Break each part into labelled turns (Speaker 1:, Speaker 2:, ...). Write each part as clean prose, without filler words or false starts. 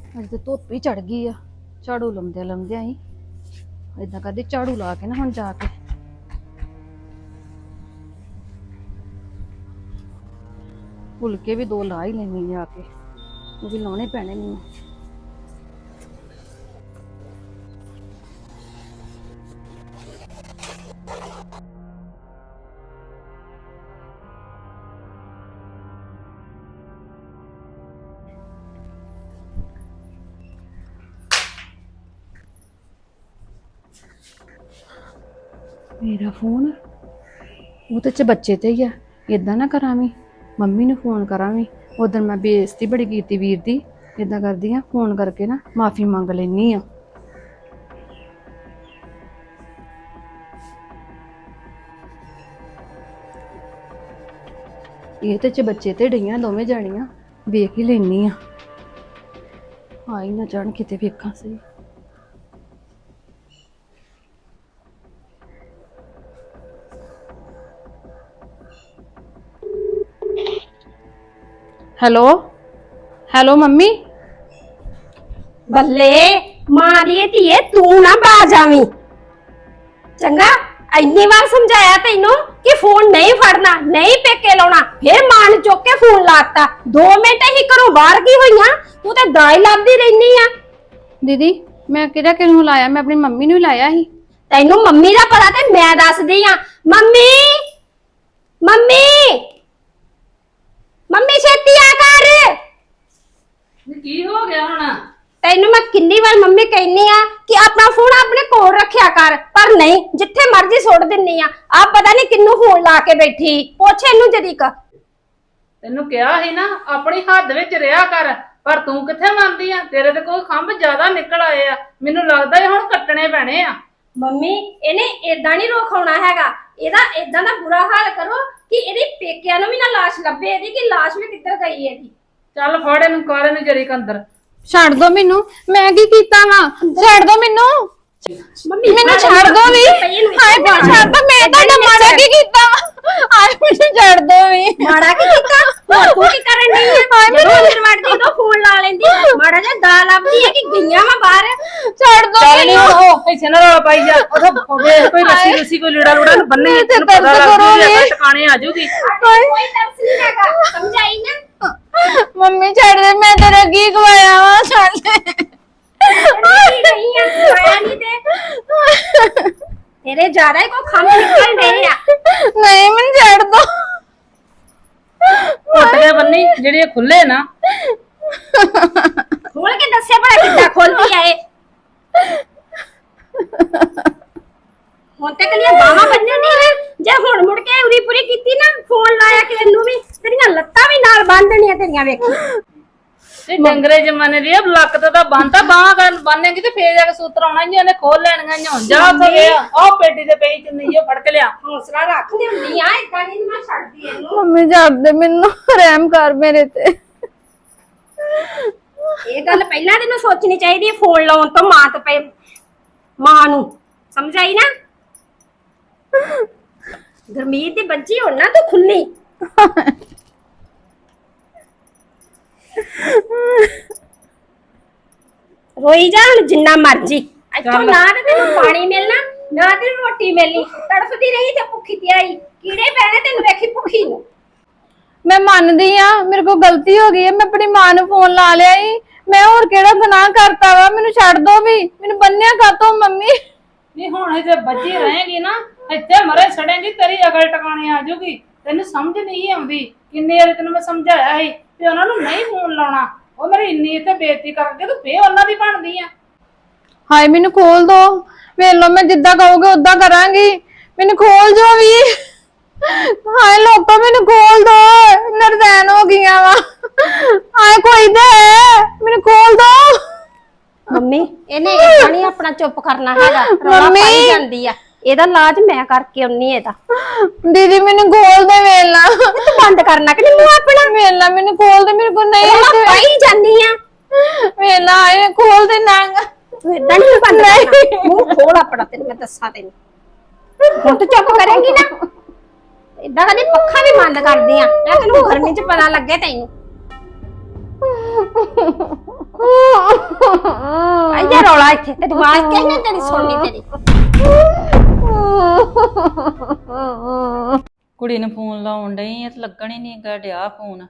Speaker 1: ਅੱਜ ਤੇ ਧੁੱਪ ਹੀ ਚੜ ਗਈ ਆ। ਝਾੜੂ ਲਾਉਂਦਿਆਂ ਹੀ ਏਦਾਂ ਕਰਦੀ, ਝਾੜੂ ਲਾ ਕੇ ਨਾ ਹੁਣ ਜਾ ਕੇ ਫੁਲਕੇ ਵੀ ਦੋ ਲਾ ਹੀ ਲੈਣੀ ਜਾ ਕੇ, ਉਹ ਵੀ ਲਾਉਣੇ ਪੈਣੇ ਮੈਨੂੰ। मेरा फोन वो तो बच्चे ते ही है। इदा ना करा भी, मम्मी ने फोन करा भी। उधर मैं बेइज्जती बड़ी की वीर दी। इदा करदी हाँ, फोन करके ना माफी मंग लेनी आ। ये तो बच्चे ते डईयां दोवें जानियां, वेख ही लेनी आ। आई ना जान किते वेखा सही। Hello hello mummy.
Speaker 2: बल्ले मां दी धीए तू ना बाज आवी चंगा। इन्नी बार समझाया तेनू कि फोन नहीं फड़ना, नहीं पेके लाउणा, फिर मां ने चुक के फोन लाता। 2 मिनट ही घरों बाहर की होईयां, तू ते दाई लादी रहनी आ।
Speaker 1: दीदी मैं किहड़ा किहनू लाया, मैं अपनी मम्मी नू लाया ही।
Speaker 2: तैनू मम्मी दा पता ते मैं दसदी आ। मम्मी मम्मी मम्मी छेती आ कर।
Speaker 3: की हो गया हुण?
Speaker 2: तैनू मैं किन्नी बार मम्मी कहनी आ कि अपना फोन अपने कोल रखिया कर, पर नहीं, जिथे मर्जी सुट दिन्नी आ। आप पता नहीं किन्नू फोन ला के बैठी, पुछ इनू जदी का।
Speaker 3: तेनू कहा ही ना अपनी हद विच रहा कर, पर तू किथे मानदी आ? तेरे ते कोई खंभ ज्यादा निकल आए आ। मैनू लगदा है हुण कट्टने पैणे आ।
Speaker 2: मम्मी इहने एदां नहीं रोखाउणा हैगा। एदा एदां दा बुरा हाल करो कि एदी पेकियां नू भी ना लाश लभे, एदी कि लाश भी किधर गई एदी।
Speaker 3: चल फड़ इनू कर इनू जरी अंदर।
Speaker 1: छड़ दो मैनू, मैं की कीता वा? छड़ दो मैनू,
Speaker 2: मम्मी
Speaker 1: मैनू छड़ दो भी। हाय मैनू छड़ दो, मैं ਤੁਹਾਡਾ ਮਾੜਾ ਕੀ ਕੀਤਾ? ਹਾਏ ਮੈਨੂੰ ਛੜ ਦੋ ਵੀ।
Speaker 2: ਮਾੜਾ ਕੀ ਕੀਤਾ? ਹੋਰ ਤੂੰ ਕੀ ਕਰਨ ਡਈ ਆ?
Speaker 1: ਹਾਏ
Speaker 2: ਜਦੋਂ ਅੰਦਰ ਵੜਦੀ ਉਦੋਂ ਫੋਨ ਲਾ ਲੈਂਦੀ। ਮਾੜਾ ਜਿਹਾ ਦਾ ਲੱਭਦੀ ਹੈ ਕਿ ਗਈਆਂ ਵਾ ਬਾਹਰ।
Speaker 1: ਛੜ ਦੋ
Speaker 3: ਚੱਲ ਨੀ
Speaker 1: ਮੈਨੂੰ।
Speaker 3: ਉਹ ਇੱਥੇ ਨਾ ਰੌਲਾ ਪਾਈ ਜਾ। ਉਹ ਵੇਖ ਕੋਈ ਰੱਸੀ ਰੁੱਸੀ ਕੋਈ ਲੀੜਾ ਲੂੜਾ ਨੂੰ ਬੰਨੇ, ਤੈਨੂੰ ਪਤਾ ਲੱਗ ਜੂਗਾ ਟਿਕਾਣੇ ਆ ਜੂਗੀ।
Speaker 2: ਕੋਈ ਤਰਸ ਨਹੀਂ ਹੈਗਾ, ਸਮਝਾਈ ਨਾ।
Speaker 1: ਮੰਮੀ ਛੱਡ ਦੇ, ਮੈਂ ਤੇਰਾ ਕੀ ਖਵਾਇਆ ਵਾ? ਛੱਡ ਦੇ।
Speaker 2: ਨਹੀਂ ਆ ਖਵਾਇਆ ਨਹੀਂ ਤੇ ਤੇਰੇ ਜ਼ਿਆਦਾ ਹੀ ਕੋ ਖੰਭ ਨਿਕਲ ਰਹੇ ਆ।
Speaker 1: ਨਹੀਂ ਮੈਨੂੰ ਛੱਡ ਦੋ।
Speaker 3: ਘੁੱਟ ਕੇ ਬੰਨੀ ਜਿਹੜੇ ਖੁੱਲੇ ਨਾ।
Speaker 2: ਖੋਲ ਕੇ ਦੱਸਿਆ ਭਲਾ ਕਿੱਦਾਂ ਖੋਲਦੀ ਆ ਇਹ। ਹੁਣ ਤੱਕ ਲੀਆਂ ਬਾਹਾਂ ਬੰਨਣ ਨਹੀਂ, ਜੇ ਹੁਣ ਮੁੜ ਕੇ ਉਰੀ ਪੂਰੀ ਕੀਤੀ ਨਾ, ਫੋਨ ਲਾਇਆ ਕਿ ਇਹਨੂੰ ਵੀ ਤੇਰੀਆਂ ਲੱਤਾਂ ਵੀ ਨਾਲ ਬੰਨ ਦੇਣੀਆਂ ਤੇਰੀਆਂ। ਵੇਖੀ
Speaker 3: ਇਹ ਡੰਗਰੇ ਜਮਾਨੇ ਦੀ ਲੱਕ ਤੇ ਤਾਂ ਬੰਨਤਾ, ਬਾਹਾਂ ਕਰਨ ਬੰਨੇਗੀ ਤੇ ਫੇਰ ਜਾ ਕੇ ਸੂਤਰ ਆਉਣਾ ਜੀ, ਉਹਨੇ ਖੋਲ ਲੈਣੀਆਂ ਹੁਣ। ਜਾ ਉੱਥੇ ਗਿਆ ਉਹ ਪੇਟੀ ਤੇ ਪਈ ਚੁੰਨੀ ਜੋ ਫੜ ਕੇ ਲਿਆ।
Speaker 2: ਹੌਸਲਾ ਰੱਖ ਲਿਆਉਂਦੀ ਆ, ਇਦਾਂ ਨਹੀਂ ਮੈਂ ਛੱਡਦੀ ਇਹਨੂੰ।
Speaker 1: ਮੰਮੀ ਛੱਡ ਦੇ ਮੈਨੂੰ, ਰਹਿਮ ਕਰ ਮੇਰੇ ਤੇ।
Speaker 2: ਇਹ ਗੱਲ ਪਹਿਲਾਂ ਤੈਨੂੰ ਸੋਚਣੀ ਚਾਹੀਦੀ, ਫੋਨ ਲਾਉਣ ਤੋਂ ਮਾਂ ਤੇ ਪਏ ਮਾਂ ਨੂੰ। ਸਮਝਾਈ ਨਾ? ਗਰਮੀਤ ਦੀ ਬੱਚੀ ਹੁਣ ਨਾ ਤੂੰ ਖੁੱਲੀ। ਰੋਈ ਜਾ ਹੁਣ ਜਿੰਨਾ ਮਰਜੀ। ਇੱਥੋਂ ਨਾ ਤੇ ਤੈਨੂੰ ਪਾਣੀ ਮਿਲਣਾ, ਨਾ ਤੈਨੂੰ ਰੋਟੀ ਮਿਲਣੀ। ਤੜਫਦੀ ਰਹੀ ਤੇ ਭੁੱਖੀ ਤੇ ਆਈ, ਕੀੜੇ ਪੈਣੇ ਤੈਨੂੰ ਵੇਖੀ ਭੁੱਖੀ ਨੂੰ।
Speaker 1: ਮੈਂ ਮੰਨਦੀ ਆ ਮੇਰੇ ਕੋਲ ਗਲਤੀ ਹੋ ਗਈ ਹੈ, ਮੈਂ ਆਪਣੀ ਮਾਂ ਨੂੰ ਫੋਨ ਲਾ ਲਿਆ ਹੀ। ਮੈਂ ਹੋਰ ਕਿਹੜਾ ਗੁਨਾਹ ਕਰਤਾ ਵਾ? ਮੈਨੂੰ ਛੱਡ ਦੋ ਵੀ, ਮੈਨੂੰ ਬੰਨਿਆ ਕਾਤੋਂ ਮੰਮੀ?
Speaker 3: ਨਹੀਂ ਹੁਣ ਇੱਥੇ ਬੱਜੀ ਰਹੇਗੀ ਨਾ, ਇੱਥੇ ਮਰੇ ਸੜੇਗੀ, ਤੇਰੀ ਅਗਲ ਟਿਕਾਣੇ ਆ ਜੂਗੀ। ਤੈਨੂੰ ਸਮਝ ਨਹੀਂ ਆਉਂਦੀ। ਕਿੰਨੇ ਵਾਰੀ ਤੈਨੂੰ ਮੈਂ ਸਮਝਾਇਆ ਸੀ ਤੇ ਉਹਨਾਂ ਨੂੰ ਨਹੀਂ ਫੋਨ ਲਾਉਣਾ। ਉਹ ਮੇਰੀ ਇੰਨੀ ਇੱਥੇ ਬੇਇੱਜ਼ਤੀ ਕਰਕੇ ਤੂੰ ਫੇਰ ਉਹਨਾਂ ਦੀ ਬਣਦੀ ਆ।
Speaker 1: ਹਾਏ ਮੈਨੂੰ ਖੋਲ ਦੋ, ਵੇਖ ਲੋ ਮੈਂ ਜਿੱਦਾਂ ਕਹੋਗੇ ਉਦਾਂ ਕਰਾਂਗੀ। ਮੈਨੂੰ ਖੋਲ ਜੋ ਵੀ। ਹਾਏ ਲੋਕੋ ਮੈਨੂੰ ਖੋਲ ਦੋ, ਨਰਦੈਨ ਹੋ ਗਈਆਂ ਵਾ। ਹਾਏ ਕੋਈ ਦੇ, ਮੈਨੂੰ ਖੋਲ ਦੋ।
Speaker 2: ਮੰਮੀ ਇਹਨੇ ਇਦਾਂ ਨਹੀਂ ਆਪਣਾ ਚੁੱਪ ਕਰਨਾ ਹੈਗਾ, ਰੌਲਾ ਪਾਈ ਜਾਂਦੀ ਆ। ਇਹਦਾ ਇਲਾਜ ਮੈਂ ਕਰਕੇ ਆਉਣੀ ਇਹਦਾ।
Speaker 1: ਦੀਦੀ ਮੈਨੂੰ ਖੋਲ ਦੇ, ਵੇਲਾ
Speaker 2: ਤੂੰ ਬੰਦ ਕਰਨਾ ਕਿ ਨਹੀਂ ਆਪਣਾ?
Speaker 1: ਵੇਲਾ ਮੈਨੂੰ ਖੋਲ ਦੇ, ਮੇਰੇ ਕੋਲ ਨਹੀਂ।
Speaker 2: ਰੌਲਾ ਪਾਈ ਜਾਂਦੀ ਆ।
Speaker 1: ਵੇਲਾ ਆਏ ਖੋਲ ਦੇ ਨਾ।
Speaker 2: ਤੂੰ ਇਦਾਂ ਨਹੀਂ ਬੰਦ ਕਰਨਾ, ਮੂੰਹ ਖੋਲ ਆਪਣਾ, ਤੈਨੂੰ ਮੈਂ ਦੱਸਾਂ। ਤੈਨੂੰ ਹੁਣ ਤੂੰ ਚੁੱਪ ਕਰੇਂਗੀ ਨਾ? ਇਦਾਂ ਕਦੀ ਪੱਖਾ ਵੀ ਬੰਦ ਕਰਦੀ ਆ, ਤੈਨੂੰ ਗਰਮੀ 'ਚ ਪਤਾ ਲੱਗੇ ਤੈਨੂੰ। ਆਇਆ ਰੌਲਾ ਇੱਥੇ ਤੇ ਆਵਾਜ਼ ਕਿਹਨੇ ਤੇਰੀ ਸੁਣਨੀ ਤੇਰੀ।
Speaker 4: ਕੁੜੀ ਨੂੰ ਫੋਨ ਲਾਉਣ ਡਈ ਆ ਤੇ ਲੱਗਣ ਹੀ ਨਹੀਂ ਗਾ ਡਿਆ ਫੋਨ।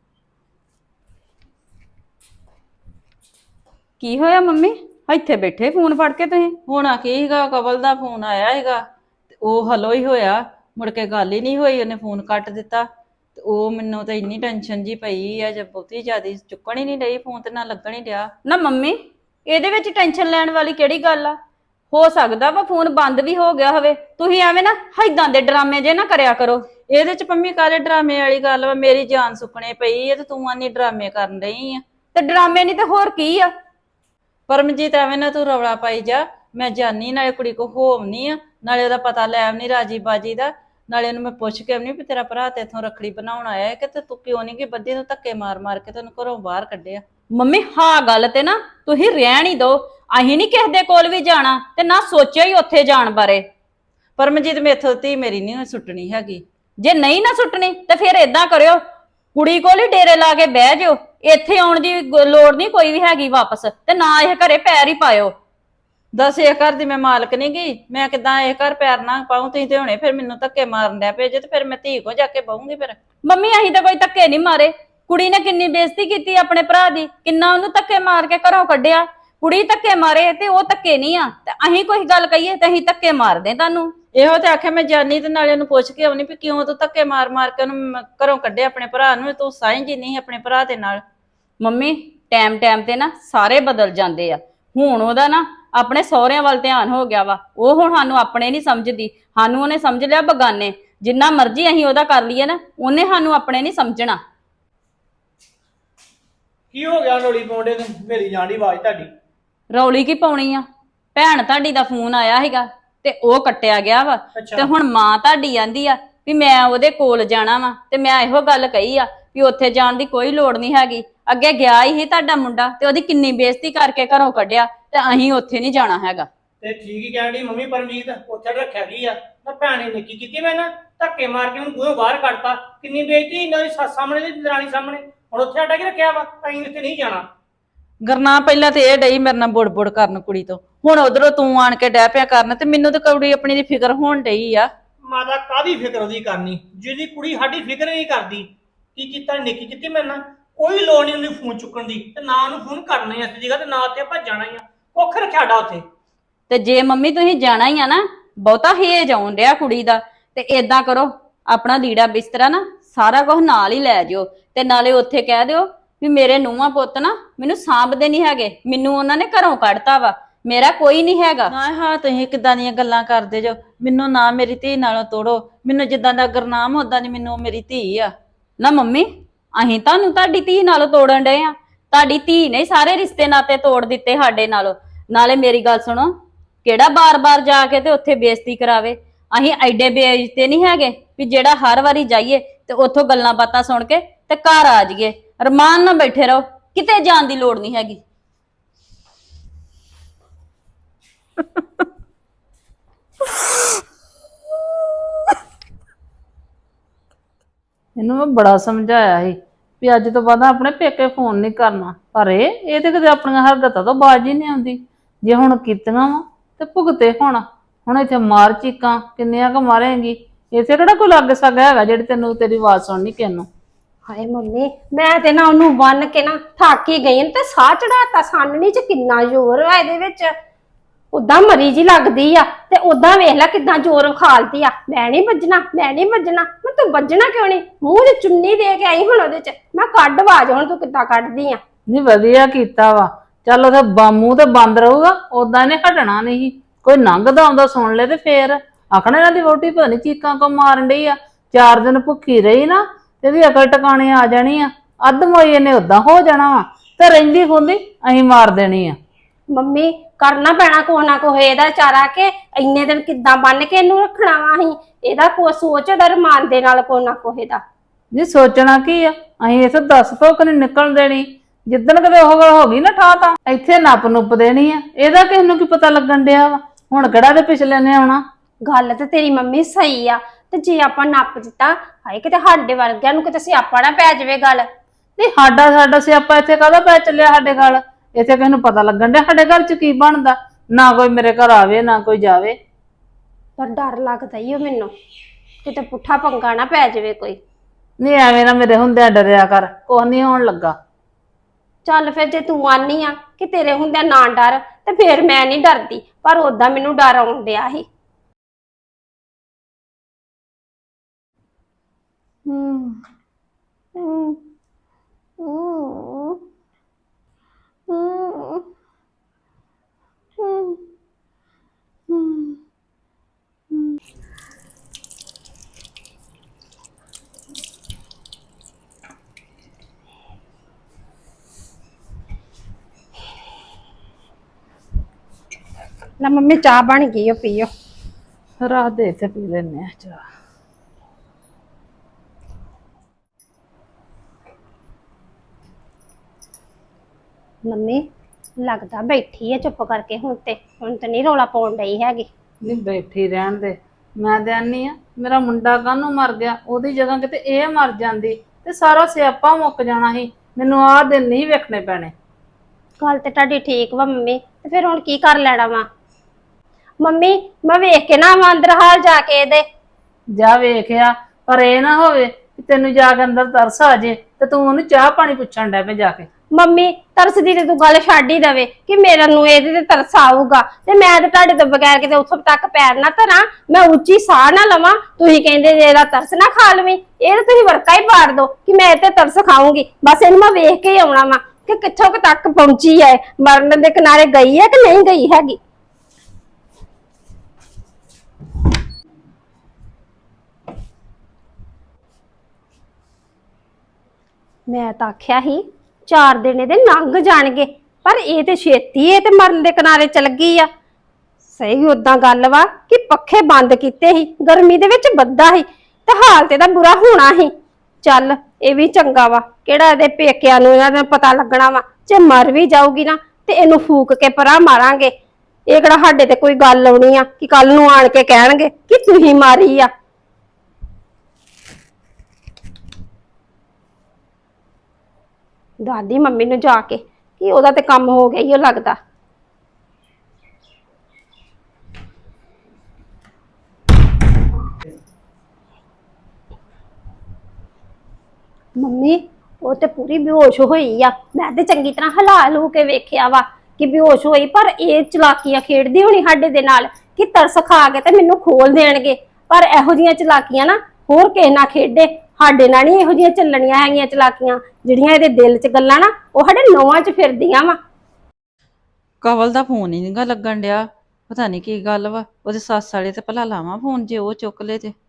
Speaker 5: ਕੀ ਹੋਇਆ ਮੰਮੀ? ਇੱਥੇ ਬੈਠੇ ਫੋਨ ਫੜ ਕੇ ਤੁਸੀਂ।
Speaker 4: ਹੋਣਾ ਕੀ ਸੀਗਾ, ਕਵਲ ਦਾ ਫੋਨ ਆਇਆ ਸੀਗਾ ਤੇ ਉਹ ਹਲੋ ਹੀ ਹੋਇਆ, ਮੁੜ ਕੇ ਗੱਲ ਹੀ ਨਹੀਂ ਹੋਈ, ਉਹਨੇ ਫੋਨ ਕੱਟ ਦਿੱਤਾ। ਤੇ ਉਹ ਮੈਨੂੰ ਤਾਂ ਇੰਨੀ ਟੈਨਸ਼ਨ ਜੀ ਪਈ ਆ, ਜੇ ਬਹੁਤੀ ਜ਼ਿਆਦਾ ਚੁੱਕਣ ਹੀ ਨਹੀਂ ਡਈ ਫੋਨ ਤੇ ਨਾ ਲੱਗਣ ਹੀ ਡਿਆ।
Speaker 5: ਨਾ ਮੰਮੀ ਇਹਦੇ ਵਿੱਚ ਟੈਨਸ਼ਨ ਲੈਣ ਵਾਲੀ ਕਿਹੜੀ ਗੱਲ ਆ? ਹੋ ਸਕਦਾ ਵਾ ਫੋਨ ਬੰਦ ਵੀ ਹੋ ਗਿਆ ਹੋਵੇ। ਤੁਸੀਂ ਐਵੇਂ ਨਾ ਏਦਾਂ ਦੇ ਡਰਾਮੇ ਜੇ ਨਾ ਕਰਿਆ ਕਰੋ।
Speaker 4: ਇਹਦੇ ਚ ਪੰਮੀ ਕਾਲੇ ਡਰਾਮੇ ਵਾਲੀ ਗੱਲ ਵਾ? ਮੇਰੀ ਜਾਨ ਸੁੱਕਣੇ ਪਈ ਆ ਤੇ ਤੂੰ ਆਨੀ ਡਰਾਮੇ ਕਰਨ ਡਈ ਆ।
Speaker 5: ਤੇ ਡਰਾਮੇ ਨਹੀਂ ਤੇ ਹੋਰ ਕੀ ਆ?
Speaker 4: ਪਰਮਜੀਤ ਐਵੇਂ ਨਾ ਤੂੰ ਰੌਲਾ ਪਾਈ ਜਾ। ਮੈਂ ਜਾਨੀ ਨਾਲੇ ਕੁੜੀ ਕੋ ਹੋਵਨੀ ਆ, ਨਾਲੇ ਉਹਦਾ ਪਤਾ ਲੈ ਆਵਨੀ ਰਾਜੀ ਬਾਜੀ ਦਾ, ਨਾਲੇ ਉਹਨੂੰ ਮੈਂ ਪੁੱਛ ਕੇ ਆਵਨੀ ਵੀ ਤੇਰਾ ਭਰਾ ਤੇ ਇੱਥੋਂ ਰੱਖੜੀ ਬਣਾਉਣ ਆਇਆ ਹੈ ਕਿ ਤੇ ਤੂੰ ਕਿਉਂ ਨਹੀਂ ਕਿ ਬੱਦੀ ਨੂੰ ਧੱਕੇ ਮਾਰ ਮਾਰ ਕੇ ਤੈਨੂੰ ਘਰੋਂ ਬਾਹਰ ਕੱਢਿਆ।
Speaker 5: ਮੰਮੀ ਹਾਂ ਗੱਲ ਤੇ ਨਾ ਤੁਸੀਂ ਰਹਿਣ ਹੀ ਦੋ। ਅਸੀਂ ਨਹੀਂ ਕਿਸੇ ਦੇ ਕੋਲ ਵੀ ਜਾਣਾ ਤੇ ਨਾ ਸੋਚਿਆ ਹੀ ਉੱਥੇ ਜਾਣ ਬਾਰੇ।
Speaker 4: ਪਰਮਜੀਤ ਮੇਥੋਂ ਧੀ ਮੇਰੀ ਨਹੀਂ ਸੁੱਟਣੀ ਹੈਗੀ।
Speaker 5: ਜੇ ਨਹੀਂ ਨਾ ਸੁੱਟਣੀ ਤੇ ਫਿਰ ਏਦਾਂ ਕਰਿਓ, ਕੁੜੀ ਕੋਲ ਹੀ ਡੇਰੇ ਲਾ ਕੇ ਬਹਿ ਜਾਓ। ਇੱਥੇ ਆਉਣ ਦੀ ਲੋੜ ਨਹੀਂ ਕੋਈ ਵੀ ਹੈਗੀ ਵਾਪਸ, ਤੇ ਨਾ ਇਹ ਘਰੇ ਪੈਰ ਹੀ ਪਾਇਓ।
Speaker 4: ਦੱਸ ਇਹ ਘਰ ਦੀ ਮੈਂ ਮਾਲਕ ਨਹੀਂ ਗਈ, ਮੈਂ ਕਿਦਾਂ ਇਹ ਘਰ ਪੈਰ ਨਾ ਪਾਉਂ? ਤੁਸੀਂ ਤੇ ਹੁਣੇ ਫਿਰ ਮੈਨੂੰ ਧੱਕੇ ਮਾਰਨ ਡਿਆ ਭੇਜੇ ਤੇ ਫਿਰ ਮੈਂ ਧੀ ਕੋ ਜਾ ਕੇ ਬਹੂੰਗੀ। ਫਿਰ
Speaker 5: ਮੰਮੀ ਅਸੀਂ ਤਾਂ ਕੋਈ ਧੱਕੇ ਨਹੀਂ ਮਾਰੇ। ਕੁੜੀ ਨੇ ਕਿੰਨੀ ਬੇਇੱਜ਼ਤੀ ਕੀਤੀ ਆਪਣੇ ਭਰਾ ਦੀ, ਕਿੰਨਾ ਉਹਨੂੰ ਧੱਕੇ ਮਾਰ ਕੇ ਘਰੋਂ ਕੱਢਿਆ। ਕੁੜੀ ਧੱਕੇ ਮਾਰੇ ਤੇ ਉਹ ਧੱਕੇ ਨਹੀਂ ਆ, ਤੇ ਅਸੀਂ ਕੋਈ ਗੱਲ ਕਹੀਏ ਤੇ ਅਸੀਂ ਧੱਕੇ ਮਾਰਦੇ ਤੁਹਾਨੂੰ।
Speaker 4: ਇਹੋ ਤੇ ਆਖਿਆ ਮੈਂ ਜਾਨੀ ਤੇ ਨਾਲੇ ਉਹਨੂੰ ਪੁੱਛ ਕੇ ਆਉਣੀ ਵੀ ਕਿਉਂ ਤੂੰ ਧੱਕੇ ਮਾਰ ਮਾਰ ਕੇ ਉਹਨੂੰ ਘਰੋਂ ਕੱਢਿਆ ਆਪਣੇ ਭਰਾ ਨੂੰ। ਤੂੰ ਸਾਂਝੀ ਨਹੀਂ ਆਪਣੇ ਭਰਾ ਦੇ ਨਾਲ।
Speaker 5: ਮੰਮੀ ਟਾਈਮ ਟਾਈਮ ਤੇ ਨਾ ਸਾਰੇ ਬਦਲ ਜਾਂਦੇ ਆ। ਹੁਣ ਉਹਦਾ ਨਾ ਆਪਣੇ ਸਹੁਰਿਆਂ ਵੱਲ ਧਿਆਨ ਹੋ ਗਿਆ ਵਾ। ਉਹ ਹੁਣ ਸਾਨੂੰ ਆਪਣੇ ਨਹੀਂ ਸਮਝਦੀ, ਸਾਨੂੰ ਉਹਨੇ ਸਮਝ ਲਿਆ ਬਗਾਨੇ। ਜਿੰਨਾ ਮਰਜ਼ੀ ਅਸੀਂ ਉਹਦਾ ਕਰ ਲਈਏ ਨਾ, ਉਹਨੇ ਸਾਨੂੰ ਆਪਣੇ ਨਹੀਂ ਸਮਝਣਾ।
Speaker 6: ਕੀ ਹੋ ਗਿਆ ਰੋਲੀ ਪਾਉਂਦੇ ਨੂੰ? ਮੇਰੀ ਜਾਂਦੀ ਆਵਾਜ਼ ਤੁਹਾਡੀ।
Speaker 5: ਰੌਲੀ ਕੀ ਪਾਉਣੀ ਆ? ਭੈਣ ਤੁਹਾਡੀ ਦਾ ਫੋਨ ਆਇਆ ਸੀਗਾ ਤੇ ਉਹ ਕੱਟਿਆ ਗਿਆ ਵਾ।
Speaker 6: ਅੱਛਾ।
Speaker 5: ਤੇ ਹੁਣ ਮਾਂ ਤੁਹਾਡੀ ਆਂਦੀ ਆ ਵੀ ਮੈਂ ਉਹਦੇ ਕੋਲ ਜਾਣਾ ਵਾ, ਤੇ ਮੈਂ ਇਹੋ ਗੱਲ ਕਹੀ ਆ ਵੀ ਉੱਥੇ ਜਾਣ ਦੀ ਕੋਈ ਲੋੜ ਨਹੀਂ ਹੈਗੀ। ਅੱਗੇ ਗਿਆ ਹੀ ਤੁਹਾਡਾ ਮੁੰਡਾ ਤੇ ਉਹਦੀ ਕਿੰਨੀ ਬੇਇੱਜ਼ਤੀ ਕਰਕੇ ਘਰੋਂ ਕੱਢਿਆ, ਤੇ ਅਸੀਂ ਉੱਥੇ ਨਹੀਂ ਜਾਣਾ ਹੈਗਾ।
Speaker 6: ਤੇ ਠੀਕ ਹੀ ਕਹਿਣ ਡਈ ਮੰਮੀ ਪਰਮਜੀਤ, ਉੱਥੇ ਰੱਖਿਆ ਕੀ ਆ? ਮੈਂ ਭੈਣ ਨੇ ਨਿੱਕੀ ਕੀਤੀ, ਮੈਂ ਨਾ ਧੱਕੇ ਮਾਰ ਕੇ ਉਹਨੂੰ ਬੂਹੋਂ ਬਾਹਰ ਕੱਢਤਾ। ਕਿੰਨੀ ਬੇਇੱਜ਼ਤੀ ਇਹਨਾਂ ਦੀ ਸੱਸ ਸਾਹਮਣੇ ਤੇ ਦਰਾਣੀ ਸਾਹਮਣੇ। ਹੁਣ ਉੱਥੇ ਸਾਡਾ ਕੀ ਰੱਖਿਆ ਵਾ? ਅਸੀਂ ਉੱਥੇ ਨਹੀਂ ਜਾਣਾ।
Speaker 4: ਗਰਨਾ ਪਹਿਲਾਂ ਤੇ ਇਹ ਡਈ ਮੇਰੇ ਨਾਲ ਬੁੜ ਕਰਨ ਕੁੜੀ ਤੋਂ, ਹੁਣ ਉਧਰੋਂ ਤੂੰ ਆਣ ਕੇ ਡੈ ਪਿਆ ਕਰਨ। ਤੇ ਮੈਨੂੰ ਤਾਂ ਕੁੜੀ ਆਪਣੀ ਦੀ ਫਿਕਰ ਹੋਣ ਡਈ ਆ।
Speaker 6: ਮਾਤਾ ਕਾਹਦੀ ਫਿਕਰ ਉਹਦੀ ਕਰਨੀ, ਜਿਹਦੀ ਕੁੜੀ ਸਾਡੀ ਫਿਕਰ ਨਹੀਂ ਕਰਦੀ। ਕੀ ਕੀਤਾ? ਨਿੱਕੀ ਕੀਤੀ ਮੇਰੇ ਨਾਲ। ਕੋਈ ਲੋੜ ਨਹੀਂ ਉਹਨੂੰ ਫੋਨ ਚੁੱਕਣ ਦੀ, ਤੇ ਨਾ ਉਹਨੂੰ ਫੋਨ ਕਰਨਾ ਹੀ ਇਸ ਜਗ੍ਹਾ ਤੇ, ਨਾ ਉੱਥੇ ਆਪਾਂ ਜਾਣਾ ਹੀ ਆ। ਕੁੱਖ ਰੱਖਿਆ ਸਾਡਾ ਉੱਥੇ।
Speaker 5: ਤੇ ਜੇ ਮੰਮੀ ਤੁਸੀਂ ਜਾਣਾ ਹੀ ਆ ਨਾ, ਬਹੁਤਾ ਹੇਜ ਆਉਣ ਡਿਆ ਕੁੜੀ ਦਾ, ਤੇ ਏਦਾਂ ਕਰੋ ਆਪਣਾ ਲੀੜਾ ਬਿਸਤਰਾ ਨਾ ਸਾਰਾ ਕੁਝ ਨਾਲ ਹੀ ਲੈ ਜਿਓ, ਤੇ ਨਾਲੇ ਉੱਥੇ ਕਹਿ ਦਿਓ ਵੀ ਮੇਰੇ ਨੂੰਹਾਂ ਪੁੱਤ ਨਾ ਮੈਨੂੰ ਸਾਂਭਦੇ ਨਹੀਂ ਹੈਗੇ, ਮੈਨੂੰ ਉਹਨਾਂ ਨੇ ਘਰੋਂ ਕੱਢਤਾ ਵਾ, ਮੇਰਾ ਕੋਈ ਨਹੀਂ ਹੈਗਾ।
Speaker 4: ਨਾ ਹਾਂ ਤੁਸੀਂ ਕਿੱਦਾਂ ਦੀਆਂ ਗੱਲਾਂ ਕਰਦੇ ਜੋ? ਮੈਨੂੰ ਨਾ ਮੇਰੀ ਧੀ ਨਾਲੋਂ ਤੋੜੋ। ਮੈਨੂੰ ਜਿੱਦਾਂ ਦਾ ਗੁਰਨਾਮ ਉਦਾਂ ਦੀ ਮੈਨੂੰ ਮੇਰੀ ਧੀ ਆ।
Speaker 5: ਨਾ ਮੰਮੀ ਅਸੀਂ ਤੁਹਾਨੂੰ ਤੁਹਾਡੀ ਧੀ ਨਾਲੋਂ ਤੋੜਨ ਡਏ ਆ? ਤੁਹਾਡੀ ਧੀ ਨੇ ਸਾਰੇ ਰਿਸ਼ਤੇ ਨਾਤੇ ਤੋੜ ਦਿੱਤੇ ਸਾਡੇ ਨਾਲੋਂ। ਨਾਲੇ ਮੇਰੀ ਗੱਲ ਸੁਣੋ, ਕਿਹੜਾ ਬਾਰ-ਬਾਰ ਜਾ ਕੇ ਤੇ ਉੱਥੇ ਬੇਇੱਜ਼ਤੀ ਕਰਾਵੇ? ਅਸੀਂ ਐਡੇ ਬੇਇੱਜ਼ਤੇ ਨਹੀਂ ਹੈਗੇ ਵੀ ਜਿਹੜਾ ਹਰ ਵਾਰੀ ਜਾਈਏ ਤੇ ਉੱਥੋਂ ਗੱਲਾਂ ਬਾਤਾਂ ਸੁਣ ਕੇ ਤੇ ਘਰ ਆ ਜਾਈਏ। ਰਮਾਨ ਨਾਲ ਬੈਠੇ ਰਹੋ, ਕਿਤੇ ਜਾਣ ਦੀ ਲੋੜ ਨਹੀਂ ਹੈਗੀ।
Speaker 3: ਇਹਨੂੰ ਮੈਂ ਬੜਾ ਸਮਝਾਇਆ ਸੀ ਵੀ ਅੱਜ ਤੋਂ ਬਾਅਦ ਆਪਣੇ ਪੇਕੇ ਫੋਨ ਨਹੀਂ ਕਰਨਾ, ਪਰ ਇਹ ਤੇ ਕਦੇ ਆਪਣੀਆਂ ਹਰਕਤਾਂ ਤੋਂ ਬਾਜ਼ ਹੀ ਨਹੀਂ ਆਉਂਦੀ। ਜੇ ਹੁਣ ਕੀਤੀਆਂ ਵਾ ਤੇ ਭੁਗਤੇ ਹੁਣ ਇੱਥੇ ਮਾਰ ਚੀਕਾਂ ਕਿੰਨੀਆਂ ਕੁ ਮਾਰੇਂਗੀ? ਇੱਥੇ ਕਿਹੜਾ ਕੋਈ ਲੱਗ ਸਕਦਾ ਹੈਗਾ ਜਿਹੜੀ ਤੈਨੂੰ ਤੇਰੀ ਆਵਾਜ਼ ਸੁਣਨੀ ਕਿਹਨੂੰ?
Speaker 2: ਹਾਏ ਮੰਮੀ, ਮੈਂ ਤੇ ਨਾ ਉਹਨੂੰ ਬੰਨ ਕੇ ਨਾ ਥੱਕ ਹੀ ਗਈ ਤੇ ਸਾਹ ਚੜਾਤਾ। ਸਾਨਣੀ ਚ ਕਿੰਨਾ ਜ਼ੋਰ ਆ ਇਹਦੇ ਵਿੱਚ। ਉਦਾਂ ਮਰੀ ਜੀ ਲੱਗਦੀ ਆ, ਤੇ ਉਦਾਂ ਵੇਖ ਲੈ ਕਿਦਾਂ ਜ਼ੋਰ ਖਾਲਦੀ ਆ। ਮੈਂ ਨਹੀਂ ਵੱਜਣਾ, ਮੈਂ ਨਹੀਂ ਵੱਜਣਾ। ਮੈਂ ਤੂੰ ਵੱਜਣਾ ਕਿਉਂ ਨਹੀਂ? ਮੂੰਹ 'ਚ ਚੁੰਨੀ ਦੇ ਕੇ ਆਈ ਹੁਣ ਉਹਦੇ 'ਚ। ਮੈਂ ਕੱਢ ਆਵਾਜ਼, ਹੁਣ ਤੂੰ ਕਿੱਦਾਂ ਕੱਢਦੀ ਆ?
Speaker 3: ਨਹੀਂ ਵਧੀਆ ਕੀਤਾ ਵਾ। ਚੱਲ ਉਹਦੇ ਬਾਮੂ ਤੇ ਬੰਦ ਰਹੂਗਾ, ਉਦਾਂ ਇਹਨੇ ਹਟਣਾ ਨਹੀਂ। ਕੋਈ ਲੰਘਦਾ ਆਉਂਦਾ ਸੁਣ ਲੈ ਤੇ ਫੇਰ ਆਖਣਾ ਇਹਨਾਂ ਦੀ ਵਹੁਟੀ ਪਤਾ ਨੀ ਚੀਕਾਂ ਕੋ ਮਾਰਨ ਡਈ ਆ। 4 ਦਿਨ ਭੁੱਖੀ ਰਹੀ ਨਾ ਤੇ ਇਹਦੀ ਅਕਲ ਟਿਕਾਣੇ ਆ ਜਾਣੀ ਆ। ਅੱਧ ਮੋਈ ਇਹਨੇ ਉਦਾਂ ਹੋ ਜਾਣਾ ਵਾ, ਤੇ ਰਹਿੰਦੀ ਖੁੰਦੀ ਅਸੀਂ ਮਾਰ ਦੇਣੀ ਆ।
Speaker 2: ਮੰਮੀ ਕਰਨਾ ਪੈਣਾ ਕੋਹ ਨਾ ਕੋਹ ਇਹਦਾ ਚਾਰਾ, ਕੇ ਇੰਨੇ ਦਿਨ ਕਿੱਦਾਂ ਬੰਨ ਕੇ ਇਹਨੂੰ ਰੱਖਣਾ ਵਾ ਅਸੀਂ? ਇਹਦਾ ਕੋ ਸੋਚ ਰਮਾਨ ਦੇ ਨਾਲ ਕੋਹ ਨਾ ਕੋਹ ਇਹਦਾ।
Speaker 3: ਨਹੀਂ ਸੋਚਣਾ ਕੀ ਆ? ਅਸੀਂ ਇਥੇ 10 ਤੋਂ ਨਹੀਂ ਨਿਕਲਣ ਦੇਣੀ। ਜਿੱਦਣ ਕਦੇ ਉਹ ਗੱਲ ਹੋ ਗਈ ਨਾ ਠਾ ਤਾਂ ਇੱਥੇ ਨੱਪ ਨੁੱਪ ਦੇਣੀ ਆ। ਇਹਦਾ ਕਿਸ ਨੂੰ ਕੀ ਪਤਾ ਲੱਗਣ ਡਿਆ ਵਾ? ਹੁਣ ਕਿਹੜਾ ਦੇ ਪਿਛਲੇ ਨੇ ਆਉਣਾ।
Speaker 2: ਗੱਲ ਤੇ ਤੇਰੀ ਮੰਮੀ ਸਹੀ ਆ, ਤੇ ਜੇ ਆਪਾਂ ਨੱਪ ਦਿੱਤਾ, ਹਾਏ ਕਿਤੇ ਸਾਡੇ ਵਰਗਿਆਂ ਨੂੰ ਕਿਤੇ ਸਿਆਪਾ ਨਾ ਪੈ ਜਾਵੇ ਗੱਲ।
Speaker 3: ਨਹੀਂ ਸਾਡਾ ਸਿਆਪਾ ਇੱਥੇ ਕਾਹਦਾ ਪੈ ਚੱਲਿਆ ਸਾਡੇ ਘਰ? ਇੱਥੇ ਕਿਸ ਨੂੰ ਪਤਾ ਲੱਗਣ ਡਿਆ ਸਾਡੇ ਘਰ ਚ ਕੀ ਬਣਦਾ? ਨਾ ਕੋਈ ਮੇਰੇ ਘਰ ਆਵੇ ਨਾ ਕੋਈ ਜਾਵੇ।
Speaker 2: ਪਰ ਡਰ ਲੱਗਦਾ ਈ ਓ ਮੈਨੂੰ, ਕਿਤੇ ਪੁੱਠਾ ਪੰਗਾ ਨਾ ਪੈ ਜਾਵੇ ਕੋਈ।
Speaker 3: ਨਹੀਂ ਐਵੇਂ ਨਾ ਮੇਰੇ ਹੁੰਦਿਆਂ ਡਰਿਆ ਕਰ, ਕੁਛ ਨਹੀਂ ਹੋਣ ਲੱਗਾ।
Speaker 2: ਚੱਲ ਫਿਰ ਜੇ ਤੂੰ ਆਨੀ ਆ ਕਿ ਤੇਰੇ ਹੁੰਦਿਆਂ ਨਾ ਡਰ, ਤੇ ਫਿਰ ਮੈਂ ਨਹੀਂ ਡਰਦੀ, ਪਰ ਓਦਾਂ ਮੈਨੂੰ ਡਰ ਆਉਣ ਡਿਆ ਸੀ। ਲੈ ਮੰਮੀ ਚਾਹ ਬਣ ਗਈ ਓ, ਪੀਓ।
Speaker 3: ਰਾਤ ਦੇ ਇੱਥੇ ਪੀ ਲੈਨੇ ਆ ਚਾਹ।
Speaker 2: ਮੰਮੀ ਲੱਗਦਾ ਬੈਠੀ ਆ ਚੁੱਪ ਕਰਕੇ, ਹੁਣ ਤੇ ਨਹੀਂ ਰੌਲਾ ਪਾਉਣ ਡਈ ਹੈਗੀ।
Speaker 3: ਨਹੀਂ ਬੈਠੀ ਰਹਿਣ ਦੇ, ਮੈਂ ਤੇ ਆਨੀ ਆ ਮੇਰਾ ਮੁੰਡਾ ਕਾਹਨੂੰ ਮਰ ਗਿਆ, ਉਹਦੀ ਜਗ੍ਹਾ ਕਿਤੇ ਇਹ ਮਰ ਜਾਂਦੀ ਤੇ ਸਾਰਾ ਸਿਆਪਾ ਮੁੱਕ ਜਾਣਾ ਸੀ। ਮੈਨੂੰ ਆਹ ਦਿਨ ਨਹੀਂ ਵੇਖਣੇ ਪੈਣੇ।
Speaker 2: ਗੱਲ ਤੇ ਤੁਹਾਡੀ ਠੀਕ ਵਾ ਮੰਮੀ, ਤੇ ਫਿਰ ਹੁਣ ਕੀ ਕਰ ਲੈਣਾ ਵਾ? ਮੰਮੀ ਮੈਂ ਵੇਖ ਕੇ ਨਾ ਆਵਾਂ ਅੰਦਰ ਹਾਲ ਜਾ ਕੇ ਇਹਦੇ।
Speaker 3: ਜਾ ਵੇਖਿਆ, ਪਰ ਇਹ ਨਾ ਹੋਵੇ ਕਿ ਤੈਨੂੰ ਜਾ ਕੇ ਅੰਦਰ ਤਰਸ ਆ ਜੇ ਤੇ ਤੂੰ ਉਹਨੂੰ ਚਾਹ ਪਾਣੀ ਪੁੱਛਣ ਡੈ ਪਏ ਜਾ ਕੇ।
Speaker 2: ਮੰਮੀ ਤਰਸ ਦੀ ਤੇ ਤੂੰ ਗੱਲ ਛੱਡ ਹੀ ਦਵੇ ਕਿ ਮੇਰਾ ਨੂੰ ਇਹਦੇ ਤੇ ਤਰਸ ਆਊਗਾ, ਤੇ ਮੈਂ ਤੇ ਤੁਹਾਡੇ ਤੋਂ ਬਗੈਰ ਕਿਤੇ ਉੱਥੋਂ ਤੱਕ ਪੈਰ ਨਾ ਧਰਾਂ, ਮੈਂ ਉੱਚੀ ਸਾਹ ਨਾ ਲਵਾਂ। ਤੁਸੀਂ ਕਹਿੰਦੇ ਜੇ ਇਹਦਾ ਤਰਸ ਨਾ ਖਾ ਲਵੀਂ, ਇਹ ਤਾਂ ਤੁਸੀਂ ਵਰਕਾ ਹੀ ਪਾੜ ਦੋ ਕਿ ਮੈਂ ਇਹ ਤੇ ਤਰਸ ਖਾਊਂਗੀ। ਬਸ ਇਹਨੂੰ ਮੈਂ ਵੇਖ ਕੇ ਹੀ ਆਉਣਾ ਵਾ ਕਿ ਕਿੱਥੋਂ ਕੁ ਤੱਕ ਪਹੁੰਚੀ ਹੈ, ਮਰਨ ਦੇ ਕਿਨਾਰੇ ਗਈ ਹੈ ਕਿ ਨਹੀਂ ਗਈ ਹੈਗੀ। ਮੈਂ ਤਾਂ ਆਖਿਆ ਸੀ 4 ਦਿਨ ਇਹਦੇ ਲੰਘ ਜਾਣਗੇ, ਪਰ ਇਹ ਤੇ ਛੇਤੀ ਇਹ ਤੇ ਮਰਨ ਦੇ ਕਿਨਾਰੇ ਚਲ ਗਈ ਆ। ਸਹੀ ਉਦਾਂ ਗੱਲ ਵਾ ਕਿ ਪੱਖੇ ਬੰਦ ਕੀਤੇ ਸੀ, ਗਰਮੀ ਦੇ ਵਿੱਚ ਬੱਦਾ ਸੀ ਤੇ ਹਾਲ ਤੇ ਦਾ ਬੁਰਾ ਹੋਣਾ ਸੀ। ਚੱਲ ਇਹ ਵੀ ਚੰਗਾ ਵਾ, ਕਿਹੜਾ ਇਹਦੇ ਪੇਕਿਆਂ ਨੂੰ ਇਹਨਾਂ ਦਾ ਪਤਾ ਲੱਗਣਾ ਵਾ। ਜੇ ਮਰ ਵੀ ਜਾਊਗੀ ਨਾ ਤੇ ਇਹਨੂੰ ਫੂਕ ਕੇ ਪਰਾਂ ਮਾਰਾਂਗੇ। ਇਹ ਕਿਹੜਾ ਸਾਡੇ ਤੇ ਕੋਈ ਗੱਲ ਆਉਣੀ ਆ ਕਿ ਕੱਲ ਨੂੰ ਆਣ ਕੇ ਕਹਿਣਗੇ ਕਿ ਤੁਸੀਂ ਮਾਰੀ ਆ। ਦਾਦੀ ਮੰਮੀ ਨੂੰ ਜਾ ਕੇ ਕਿ ਉਹਦਾ ਤੇ ਕੰਮ ਹੋ ਗਿਆ ਹੀ ਉਹ ਲੱਗਦਾ। ਮੰਮੀ ਉਹ ਤੇ ਪੂਰੀ ਬੇਹੋਸ਼ ਹੋਈ ਆ, ਮੈਂ ਤੇ ਚੰਗੀ ਤਰ੍ਹਾਂ ਹਿਲਾ ਲੂ ਕੇ ਵੇਖਿਆ ਵਾ ਕਿ ਬੇਹੋਸ਼ ਹੋਈ, ਪਰ ਇਹ ਚਲਾਕੀਆਂ ਖੇਡਦੀ ਹੋਣੀ ਸਾਡੇ ਦੇ ਨਾਲ ਕਿ ਤਰਸ ਖਾ ਕੇ ਤੇ ਮੈਨੂੰ ਖੋਲ ਦੇਣਗੇ। ਪਰ ਇਹੋ ਜੀਆਂ ਚਲਾਕੀਆਂ ਨਾ ਹੋਰ ਕਿਸੇ ਨਾਲ ਖੇਡੇ, ਸਾਡੇ ਨਾਲ ਨਹੀਂ ਇਹੋ ਜੀਆਂ ਚੱਲਣੀਆਂ ਹੈਗੀਆਂ ਚਲਾਕੀਆਂ। ਜਿਹੜੀਆਂ ਇਹਦੇ ਦਿਲ 'ਚ ਗੱਲਾਂ ਨਾ ਉਹ ਸਾਡੇ ਨੌਵਾਂ 'ਚ ਫਿਰਦੀਆਂ ਵਾ।
Speaker 4: ਕਵਲ ਦਾ ਫੋਨ ਹੀ ਨਹੀਂਗਾ ਲੱਗਣ ਡਿਆ, ਪਤਾ ਨਹੀਂ ਕੀ ਗੱਲ ਵਾ। ਉਹਦੇ ਸੱਸ ਵਾਲੇ ਤੇ ਭਲਾ ਲਾਵਾਂ ਫੋਨ, ਜੇ ਉਹ ਚੁੱਕ ਲੇ ਤੇ।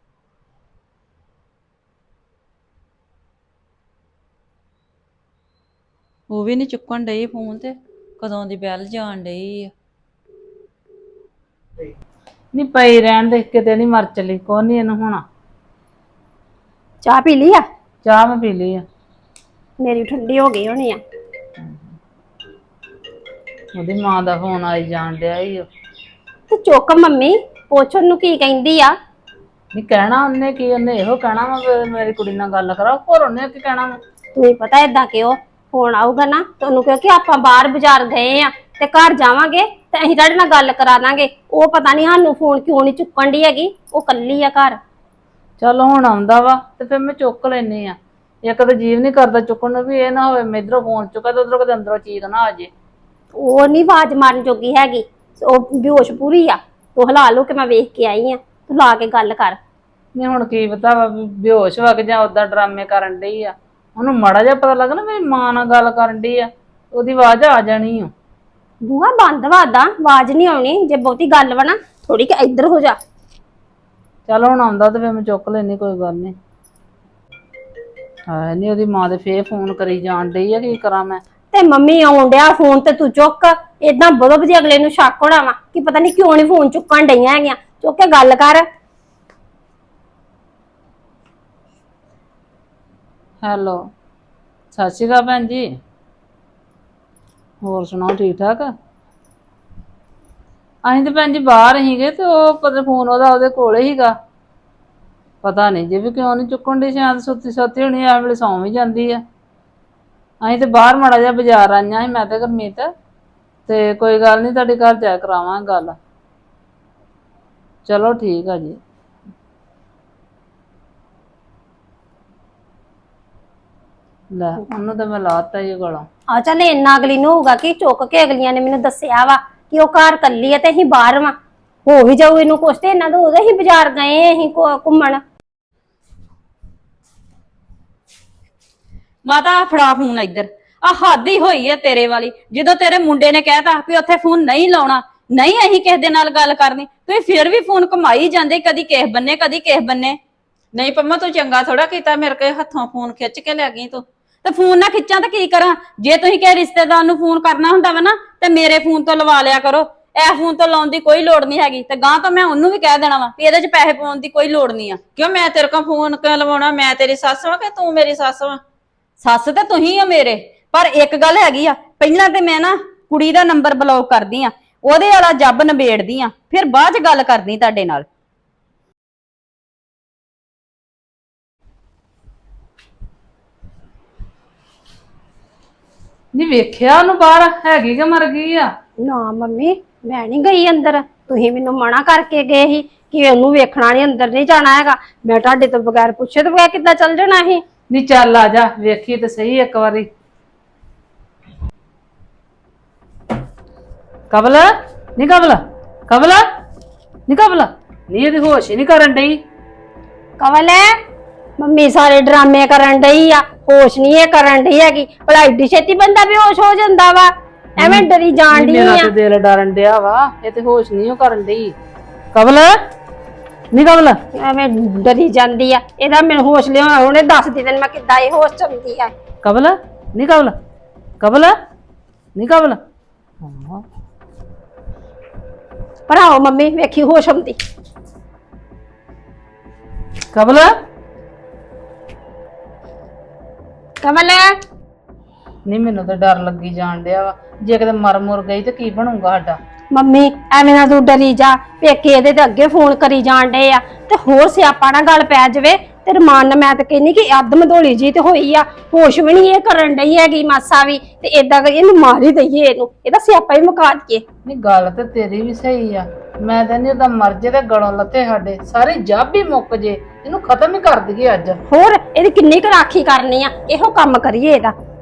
Speaker 4: ਉਹ ਵੀ ਨਹੀਂ ਚੁੱਕਣ ਡਈ ਫੋਨ, ਤੇ ਕਦੋਂ ਦੀ ਬੈਲ ਜਾਣ ਡਈ ਆ।
Speaker 3: ਨਹੀਂ ਪਈ ਰਹਿਣ ਦੇ, ਕਿਤੇ ਨਹੀਂ ਮਰ ਚਲੀ, ਕੋਈ ਨਹੀਂ ਇਹਨੂੰ ਹੋਣਾ।
Speaker 2: ਚਾਹ ਪੀ ਲਈ ਆ?
Speaker 3: ਚਾਹ ਮੈਂ ਪੀ ਲਈ ਆ।
Speaker 2: ਮੇਰੀ ਠੰਡੀ ਹੋ ਗਈ ਹੋਣੀ ਆ।
Speaker 3: ਉਹਦੀ ਮਾਂ ਦਾ ਫੋਨ ਆਈ ਜਾਣ ਡਿਆ ਈ ਓ।
Speaker 2: ਤੇ ਚੁੱਕ ਮੰਮੀ, ਪੁੱਛ ਉਹਨੂੰ ਕੀ ਕਹਿੰਦੀ ਆ।
Speaker 3: ਨਹੀਂ ਕਹਿਣਾ ਉਹਨੇ ਕੀ, ਉਹਨੇ ਇਹੋ ਕਹਿਣਾ ਵਾ ਵੀ ਮੇਰੀ ਕੁੜੀ ਨਾਲ ਗੱਲ ਕਰਾਓ, ਹੋਰ ਉਹਨੇ ਕੀ ਕਹਿਣਾ ਵਾ।
Speaker 2: ਤੁਸੀਂ ਪਤਾ ਏਦਾਂ ਕਿਉਂ ਫੋਨ ਆਊਗਾ ਨਾ ਤੁਹਾਨੂੰ ਕਿਉਂਕਿ ਆਪਾਂ ਬਾਹਰ ਬਾਜ਼ਾਰ ਗਏ ਆ ਤੇ ਘਰ ਜਾਵਾਂਗੇ ਤੇ ਅਸੀਂ ਤੁਹਾਡੇ ਨਾਲ ਗੱਲ ਕਰਾ ਦਾਂਗੇ। ਉਹ ਪਤਾ ਨਹੀਂ ਸਾਨੂੰ ਫੋਨ ਕਿਉਂ ਨਹੀਂ ਚੁੱਕਣ ਦੀ ਹੈਗੀ, ਉਹ ਕੱਲੀ ਆ ਘਰ।
Speaker 3: ਚੱਲ ਹੁਣ ਆਉਂਦਾ ਵਾ ਤੇ ਫਿਰ ਮੈਂ ਚੁੱਕ ਲੈਨੀ ਆ। ਇੱਕ ਤਾਂ ਜੀਵ ਨਹੀਂ ਕਰਦਾ ਚੁੱਕਣ ਨੂੰ, ਵੀ ਇਹ ਨਾ ਹੋਵੇ ਮੈਂ ਇੱਧਰੋਂ ਫੋਨ ਚੁੱਕਾ ਤੇ ਉਧਰੋਂ ਕਦੇ ਅੰਦਰੋਂ ਚੀਕ ਨਾ ਆ ਜੇ।
Speaker 2: ਉਹ ਨਹੀਂ ਆਵਾਜ਼ ਮਾਰਨ ਜੋਗੀ ਹੈਗੀ, ਉਹ ਬੇਹੋਸ਼ ਪੂਰੀ ਆ। ਤੂੰ ਹਿਲਾ ਲੋ ਕਿ ਮੈਂ ਵੇਖ ਕੇ ਆਈ ਆ, ਤੂੰ ਲਾ ਕੇ ਗੱਲ ਕਰ।
Speaker 3: ਨਹੀਂ ਹੁਣ ਕੀ ਪਤਾ ਵਾ ਵੀ ਬੇਹੋਸ਼ ਵਗ ਜਾਂ ਓਦਾਂ ਡਰਾਮੇ ਕਰਨ ਡਈ ਆ। ਉਹਨੂੰ ਮਾੜਾ ਜਿਹਾ ਪਤਾ ਲੱਗ ਨਾ ਮੇਰੀ ਮਾਂ ਨਾਲ ਗੱਲ ਕਰਨ ਡਈ ਆ, ਉਹਦੀ ਆਵਾਜ਼ ਆ ਜਾਣੀ ਆ।
Speaker 2: ਬੂਹਾ ਬੰਦ ਵਾਦਾ, ਆਵਾਜ਼ ਨਹੀਂ ਆਉਣੀ। ਜੇ ਬਹੁਤੀ ਗੱਲ ਵਾ ਨਾ ਥੋੜੀ ਕਿ ਇੱਧਰ ਹੋ ਜਾ।
Speaker 3: ਚੱਲ ਹੁਣ ਆਉਂਦਾ ਤੇ ਫਿਰ ਮੈਂ ਚੁੱਕ ਲੈਣੀ, ਕੋਈ ਗੱਲ ਨਹੀਂ। ਹਾਂ ਨਹੀਂ ਉਹਦੀ ਮਾਂ ਦੇ ਫੇਰ ਫੋਨ ਕਰੀ ਜਾਣ ਡਈ ਆ, ਕੀ ਕਰਾਂ ਮੈਂ।
Speaker 2: ਤੇ ਮੰਮੀ ਆਉਣ ਡਿਆ ਫੋਨ ਤੇ ਤੂੰ ਚੁੱਕ। ਏਦਾਂ ਬਦੋ ਜੀ ਅਗਲੇ ਨੂੰ ਸ਼ੱਕ ਹੋਣਾ ਵਾ ਕਿ ਪਤਾ ਨਹੀਂ ਕਿਉਂ ਨਹੀਂ ਫੋਨ ਚੁੱਕਣ ਡਈਆਂ ਹੈਗੀਆਂ। ਚੁੱਕ ਕੇ ਗੱਲ ਕਰ।
Speaker 3: ਹੈਲੋ, ਸਤਿ ਸ਼੍ਰੀ ਅਕਾਲ ਭੈਣ ਜੀ। ਹੋਰ ਸੁਣਾਓ, ਠੀਕ ਠਾਕ? ਅਸੀਂ ਤੇ ਭੈਣ ਜੀ ਬਾਹਰ ਸੀਗੇ ਤੇ ਉਹ ਪਤਾ ਫੋਨ ਉਹਦੇ ਕੋਲ ਹੀਗਾ। ਪਤਾ ਨਹੀਂ ਜੇ ਵੀ ਕਿਉਂ ਨਹੀਂ ਚੁੱਕਣ ਦੀ, ਸ਼ਾਇਦ ਸੁੱਤੀ ਹੋਣੀ, ਐ ਵੇਲੇ ਸੌਂ ਵੀ ਜਾਂਦੀ ਆ। ਅਸੀਂ ਤੇ ਬਾਹਰ ਮਾੜਾ ਜਿਹਾ ਬਾਜ਼ਾਰ ਆਈਆਂ ਸੀ ਮੈਂ ਤੇ ਗੁਰਮੀਤ, ਤੇ ਕੋਈ ਗੱਲ ਨਹੀਂ ਤੁਹਾਡੇ ਘਰ ਜਾ ਕਰਾਵਾਂਗੇ ਗੱਲ। ਚਲੋ ਠੀਕ ਆ ਜੀ। ਲੈ ਉਹਨੂੰ ਤਾਂ ਮੈਂ ਲਾਤਾ ਹੀ ਗਲੋਂ।
Speaker 2: ਆ ਚੱਲ ਇੰਨਾ ਅਗਲੀ ਨੂੰ ਹੋਊਗਾ ਕਿ ਚੁੱਕ ਕੇ ਅਗਲੀਆਂ ਨੇ ਮੈਨੂੰ ਦੱਸਿਆ ਵਾ ਕਿ ਉਹ ਘਰ ਕੱਲੀ ਆ ਤੇ ਅਸੀਂ ਬਾਹਰ ਵਾਂ, ਹੋ ਵੀ ਜਾਊ ਇਹਨੂੰ ਕੁਛ ਤੇ ਇਹਨਾਂ ਦਾ ਉਹਦੇ ਹੀ ਬਾਜ਼ਾਰ ਗਏ ਅਸੀਂ ਘੁੰਮਣ।
Speaker 5: ਮਾਤਾ ਫੜਾ ਫੋਨ ਇੱਧਰ। ਆ ਹੱਦ ਹੀ ਹੋਈ ਹੈ ਤੇਰੇ ਵਾਲੀ। ਜਦੋਂ ਤੇਰੇ ਮੁੰਡੇ ਨੇ ਕਹਿਤਾ ਵੀ ਉੱਥੇ ਫੋਨ ਨਹੀਂ ਲਾਉਣਾ, ਨਹੀਂ ਅਸੀਂ ਕਿਸੇ ਦੇ ਨਾਲ ਗੱਲ ਕਰਨੀ, ਤੁਸੀਂ ਫਿਰ ਵੀ ਫੋਨ ਘੁਮਾਈ ਜਾਂਦੇ, ਕਦੀ ਕਿਸੇ ਬੰਨੇ ਕਦੀ ਕਿਸੇ ਬੰਨੇ।
Speaker 4: ਨਹੀਂ ਪੰਮਾ ਤੂੰ ਚੰਗਾ ਥੋੜਾ ਕੀਤਾ, ਮੇਰੇ ਕੇ ਹੱਥੋਂ ਫੋਨ ਖਿੱਚ ਕੇ ਲੈ ਗਈ ਤੂੰ।
Speaker 5: ਤੇ ਫੋਨ ਨਾ ਖਿੱਚਾਂ ਤਾਂ ਕੀ ਕਰਾਂ? ਜੇ ਤੁਸੀਂ ਕਿਸੇ ਰਿਸ਼ਤੇਦਾਰ ਨੂੰ ਫੋਨ ਕਰਨਾ ਹੁੰਦਾ ਵਾ ਨਾ ਤੇ ਮੇਰੇ ਫੋਨ ਤੋਂ ਲਵਾ ਲਿਆ ਕਰੋ। ਇਹ ਫੋਨ ਤੋਂ ਲਾਉਣ ਦੀ ਕੋਈ ਲੋੜ ਨਹੀਂ ਹੈਗੀ, ਤੇ ਗਾਂ ਤੋਂ ਮੈਂ ਉਹਨੂੰ ਵੀ ਕਹਿ ਦੇਣਾ ਵਾ ਵੀ ਇਹਦੇ 'ਚ ਪੈਸੇ ਪਾਉਣ ਦੀ ਕੋਈ ਲੋੜ ਨਹੀਂ ਆ।
Speaker 4: ਕਿਉਂ ਮੈਂ ਤੇਰੇ ਕੋਲ ਫੋਨ ਕਿਉਂ ਲਵਾਉਣਾ? ਮੈਂ ਤੇਰੀ ਸੱਸ ਵਾਂ ਕਿ ਤੂੰ ਮੇਰੀ ਸੱਸ ਵਾਂ?
Speaker 5: ਸੱਸ ਤੇ ਤੁਸੀਂ ਆ ਮੇਰੇ, ਪਰ ਇੱਕ ਗੱਲ ਹੈਗੀ ਆ, ਪਹਿਲਾਂ ਤੇ ਮੈਂ ਨਾ ਕੁੜੀ ਦਾ ਨੰਬਰ ਬਲੌਕ ਕਰਦੀ ਆ, ਉਹਦੇ ਵਾਲਾ ਜੱਬ ਨਿਬੇੜਦੀ ਆ, ਫਿਰ ਬਾਅਦ 'ਚ ਗੱਲ ਕਰਦੀ ਤੁਹਾਡੇ ਨਾਲ।
Speaker 3: ਨਹੀਂ ਵੇਖਿਆ ਉਹਨੂੰ ਬਾਹਰ ਹੈਗੀ ਕਿ ਮਰ ਗਈ ਆ?
Speaker 2: ਨਾ ਮੰਮੀ ਮੈਂ ਨਹੀਂ ਗਈ ਅੰਦਰ, ਤੁਸੀਂ ਮੈਨੂੰ ਮਨਾ ਕਰਕੇ ਗਏ ਸੀ ਕਿ ਉਹਨੂੰ ਵੇਖਣਾ ਨਹੀਂ, ਅੰਦਰ ਨਹੀਂ ਜਾਣਾ ਹੈਗਾ। ਮੈਂ ਤੁਹਾਡੇ ਤੋਂ ਬਗੈਰ ਪੁੱਛੇ ਤੋਂ ਬਗੈਰ ਕਿੱਦਾਂ ਚੱਲ ਜਾਣਾ ਸੀ?
Speaker 3: ਨਹੀਂ ਚੱਲ ਆ ਜਾ ਵੇਖੀ ਤੇ ਸਹੀ ਇੱਕ ਵਾਰੀ। ਕਬਲ ਨਹੀਂ ਕਬਲ, ਕਬਲ ਨਹੀਂ ਕਬਲ, ਨਹੀਂ ਇਹਦੀ ਹੋਸ਼ ਹੀ ਨਹੀਂ ਕਰਨ ਡਈ।
Speaker 2: ਕਵਲ ਮੰਮੀ ਸਾਰੇ ਡਰਾਮੇ ਕਰਨ ਡਈ ਆ, ਹੋਸ਼ ਨਹੀਂ ਇਹ ਕਰਨ ਡਈ ਹੈਗੀ। ਭਲਾ ਏਡੀ ਛੇਤੀ ਬੰਦਾ ਬੇਹੋਸ਼ ਹੋ ਜਾਂਦਾ ਵਾ? ਐਵੇਂ ਡਰੀ ਜਾਣ ਡਈ
Speaker 3: ਮੇਰਾ
Speaker 2: ਆ।
Speaker 3: ਤੇ ਦਿਲ ਡਰਨ ਡਿਆ ਵਾ, ਇਹ ਤੇ ਹੋਸ਼ ਨਹੀਂ ਉਹ ਕਰਨ ਡਈ। ਕਬਲ ਨਹੀਂ ਕਬਲ,
Speaker 2: ਐਵੇਂ ਡਰੀ ਜਾਂਦੀ ਆ। ਇਹਦਾ ਮੈਨੂੰ ਹੋਸ਼ ਲਿਆ ਉਹਨੇ ਦੱਸ ਦੀ ਤੈਨੂੰ ਮੈਂ ਕਿੱਦਾਂ ਇਹ ਹੋਸ਼ ਚੰਦੀ ਆ।
Speaker 3: ਕਬਲ ਨਹੀਂ ਕਬਲ, ਕਬਲ ਨਹੀਂ ਕਬਲ।
Speaker 2: ਪਰ ਆਓ ਮੰਮੀ ਵੇਖੀ ਹੋਸ਼ ਆਉਂਦੀ।
Speaker 3: ਕਬਲ
Speaker 2: ਕਵਲ
Speaker 3: ਨਹੀਂ ਮੈਨੂੰ ਤਾਂ ਡਰ ਲੱਗੀ ਜਾਣ ਡਿਆ ਵਾ, ਜੇ ਕਿਤੇ ਮਰ ਮੁਰ ਗਈ ਤੇ ਕੀ ਬਣੂਗਾ ਸਾਡਾ?
Speaker 2: ਮੰਮੀ ਐਵੇਂ ਨਾ ਤੂੰ ਡਰੀ ਜਾ, ਪੇਕੇ ਇਹਦੇ ਤੇ ਅੱਗੇ ਫੋਨ ਕਰੀ ਜਾਣ ਡੇ ਆ ਤੇ ਹੋਰ ਸਿਆਪਾ ਨਾ ਗੱਲ ਪੈ ਜਾਵੇ ਤੇ ਰਮਾਨ ਨਾਲ। ਮੈਂ ਤਾਂ ਕਹਿੰਨੀ ਕਿ ਅੱਧ ਮਧੋਲੀ ਜੀ ਤੇ ਹੋਈ ਆ, ਹੋਸ਼ ਵੀ ਨਹੀਂ ਇਹ ਕਰਨ ਡਈ ਹੈਗੀ ਮਾਸਾ ਵੀ, ਤੇ ਏਦਾਂ ਕਰੀ ਇਹਨੂੰ ਮਾਰ ਹੀ ਦਈਏ, ਇਹਨੂੰ ਇਹਦਾ ਸਿਆਪਾ ਹੀ ਮੁਕਾ ਦਈਏ।
Speaker 3: ਨਹੀਂ ਗੱਲ ਤੇ ਤੇਰੀ ਵੀ ਸਹੀ ਆ, ਮੈਂ ਤਾਂ ਨਹੀਂ ਉਹਦਾ ਮਰ ਜੇ ਤੇ ਗਲੋਂ ਲੱਤੇ ਸਾਡੇ ਸਾਰੀ ਜੱਬ ਹੀ ਮੁੱਕ ਜੇ, ਇਹਨੂੰ ਖਤਮ ਹੀ ਕਰ ਦਈਏ ਅੱਜ।
Speaker 2: ਹੋਰ ਇਹਦੀ ਕਿੰਨੀ ਕੁ ਰਾਖੀ ਕਰਨੀ ਆ, ਇਹੋ ਕੰਮ ਕਰੀਏ ਇਹਦਾ।